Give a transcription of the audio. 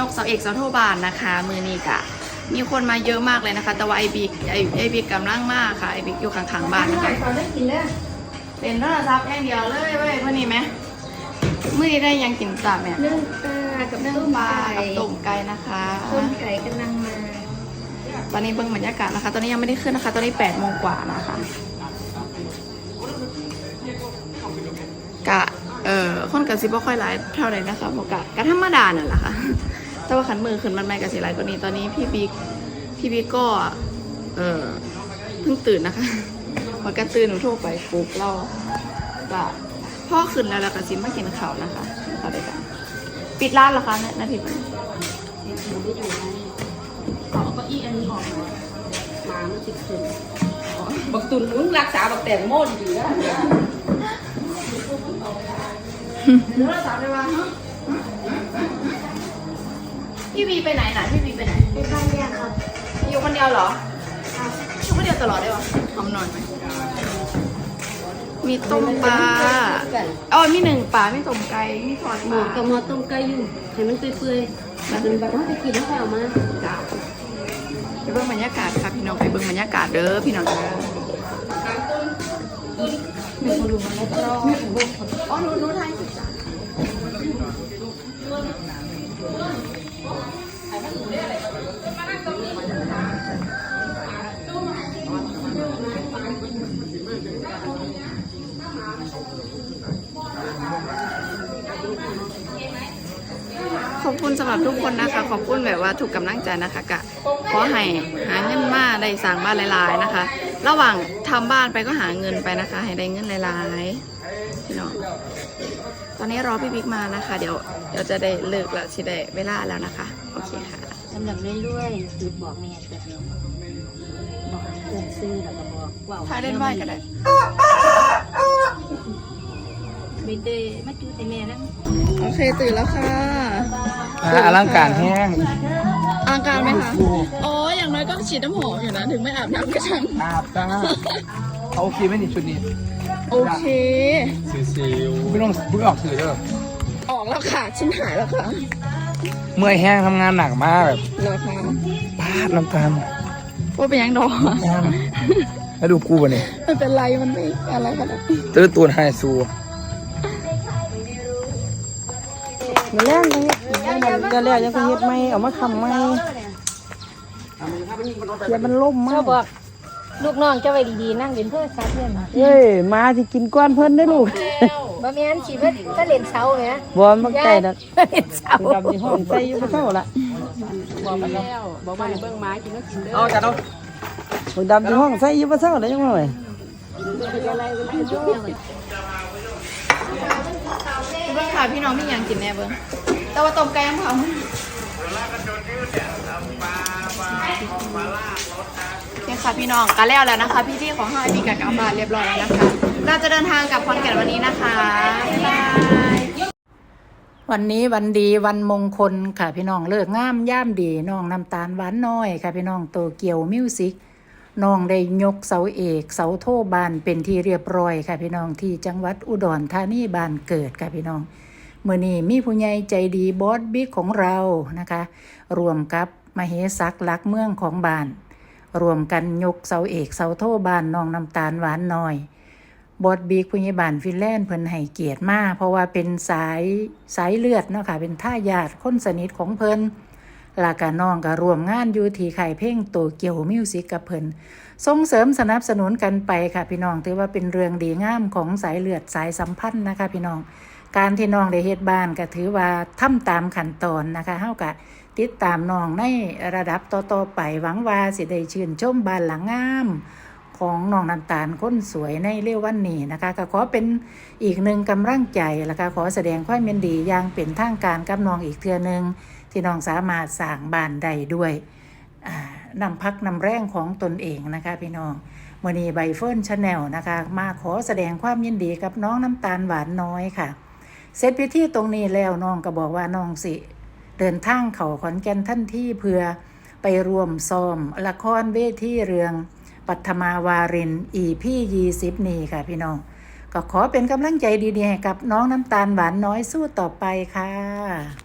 กเสาเอกเสาโทบานนะคะมือนี้กะมีคนมาเยอะมากเลยนะคะแต่ว่าไอบิ๊กกำลังมากค่ะไอบิ๊กอยู่ข้างๆบ้านนะคะเป็นโทรศัพท์อย่างเดียวเลยเว้ยเพื่อนนี่ไหมมือนี้ได้ยังกินจ้าแม่นึ่งปลากับนึ่งต้มปลาไก่กับต้มไก่นะคะต้มไก่กำลังมาตอนนี้เบิ่งบรรยากาศนะคะตอนนี้ยังไม่ได้ขึ้นนะคะตอนนี้8 โมงกว่านะคะกะคนกับซิบ่ค่อยไลฟ์เท่าไหร่นะคะบอกกะธรรมดานั่นแหละค่ะแต่ว่าขันมือขึ้นมันไม่กับสิไลฟ์กว่านี้ตอนนี้พี่บิ๊กก็เพิ่งตื่นนะคะพอกระตื่นหนูโทรไปปลุกเรากะพ่อขึ้นแล้วกะซิมากินข้าวนะคะเขาได้กันปิดร้านเหรอคะนาทีนี้ขอเก้าอี้อันนี้ออกมาไม่ติดขึ้นบักตุนมึงรักษาบักแตงโมดีๆนะหนูรักษาได้ว่าพี่บีไปไหนน่ะพี่บีไปไหนไปบ้านยาครับอยู่คนเดียวเหรอครับอยู่คนเดียวตลอดได้ปะทำหน่อยไหมมีต้มปลามีหนึ่งปลามีต้มไก่มีทอดหปมูลากับหมอต้มไก่อยู่ให้มันเปื่อยๆมันแบบว่าไปกินแล้วค่อยเอามาจ้าไปเบิ่งบรรยากาศค่ะพี่น้องไปเบิ่งบรรยากาศเด้อพี่น้องเด้อมีคนดูมันรอรู้ไทยสุดจ้าขอบคุณสำหรับทุกคนนะคะขอบคุณแบบว่าถูกกำลังใจนะคะกะขอให้หาเงินมาได้สร้างบ้านหลายๆนะคะ ระหว่างทำบ้านไปก็หาเงินไปนะคะ ให้ได้เงินหลายๆพี่น้องตอนนี้รอพี่บิ๊กมานะคะ เดี๋ยวจะได้เลิกแล้วสิได้เวลาแล้วนะคะโอเคค่ะสำหรับเรื่อยๆคือบอกแม่แต่บอกเกินซื้อแล้วก็บอกว่าถ้าเล่นไหวก็ได้ไม่ได้มาจูแต่แม่แล้วโอเคตื่นแล้วค่ะอลังการแห้งอลังการไหมคะอ๋ออย่างน้อยก็ฉีดน้ำหอมอยู่นะถึงไม่อาบน้ำก็ช่างอาบจ้าเขาโอเคไหมนี่ชุดนี้โอเคซิวไม่ต้องเพิ่งออกสื่อเด้อออกแล้วค่ะชิ้นหายแล้วค่ะเมื่อยแห้งทำงานหนักมากแบบเหรอคะพลาดน้ำตาลว่าเป็นยังดอกแล้วดูกูป่ะเนี่ยไม่เป็นไรมันไม่อะไรกันนะตื้อตูนไฮซูมาแล่นตรงนี้จะแล้วยังเฮ็ดไหมเอามาทำไหมอย่ามันล่มมาเขากบอกลูกน้องจะไว้ดีๆนั่งเล่นเพื่อซัดเพื่อนเอ้ยมาสิกินก้อนเพิ่นได้อลูกบ่แม่นสิเพิ่นถ้าเล่นเช้าแหมบ่มันใกล้แล้วเล่นเช้าดำที่ห้องใส่อยู่บ่เท่าละบอกมาเบิ่งไม้กินแล้วกินเด้อเอาจ้ะเนาะบักดำที่ห้องใส่อยู่บ่เท่าละยังไงเบิ้งค่ะพี่น้องพี่ยังกินแน่เบิ้งแต่ว่าต้มไก่ยังเผาเนี่ยค่ะพี่น้องก็แล้วนะคะพี่ของห้าพี่กับกลับบ้านเรียบร้อยแล้วนะคะเราจะเดินทางกลับขอนแก่นวันนี้นะคะบ๊ายบายวันนี้วันดีวันมงคลค่ะพี่น้องเลิกงามย่ามดีน้องน้ำตาลหวานน้อยค่ะพี่น้องโตเกียวมิวสิกน้องได้ยกเสาเอกเสาโทบานเป็นที่เรียบร้อยค่ะพี่น้องที่จังหวัดอุดรธานีบ้านเกิดค่ะพี่น้องมื้อนี้มีผู้ใหญ่ใจดีบอสบิ๊กของเรานะคะรวมกับมเหศักดิ์ลักเมืองของบ้านรวมกันยกเสาเอกเสาโทบานน้องน้ำตาลหวานน้อยบอสบิ๊กผู้ใหญ่บ้านฟินแลนด์เพิ่นให้เกียรติมาเพราะว่าเป็นสายเลือดเนาะค่ะเป็นทายาทคนสนิทของเพิ่นลากาน้องก็ร่วมงานอยู่ที่ค่ายเพลงโตเกียวมิวสิกกับเพิ่นส่งเสริมสนับสนุนกันไปค่ะพี่น้องถือว่าเป็นเรื่องดีงามของสายเลือดสายสัมพันธ์นะคะพี่น้องการที่น้องได้เฮ็ดบ้านก็ถือว่าทำตามขั้นตอนนะคะเฮาก็ติดตามน้องในระดับต่อๆไปหวังว่าสิได้ชื่นชมบ้านหลังงามของน้องน้ำตาลคนสวยในเร็ววันนี้นะคะก็ขอเป็นอีกหนึ่งกำลังใจแล้วก็ขอแสดงความยินดีอย่างเป็นทางการกับน้องอีกเทื่อนึงที่น้องสามารถสร้างบ้านได้ด้วยนำพักนำแรงของตนเองนะคะพี่น้องมื้อนี้ใบเฟิร์นชาแนลนะคะมาขอแสดงความยินดีกับน้องน้ำตาลหวานน้อยค่ะเสร็จพิธีตรงนี้แล้วน้องก็บอกว่าน้องสิเดินทางเข้าขอนแก่นทันทีเพื่อไปร่วมซ้อมละครเวทีเรื่องปัทมาวาริน EP 20นี่ค่ะพี่น้องก็ขอเป็นกำลังใจดีๆให้กับน้องน้ำตาลหวานน้อยสู้ต่อไปค่ะ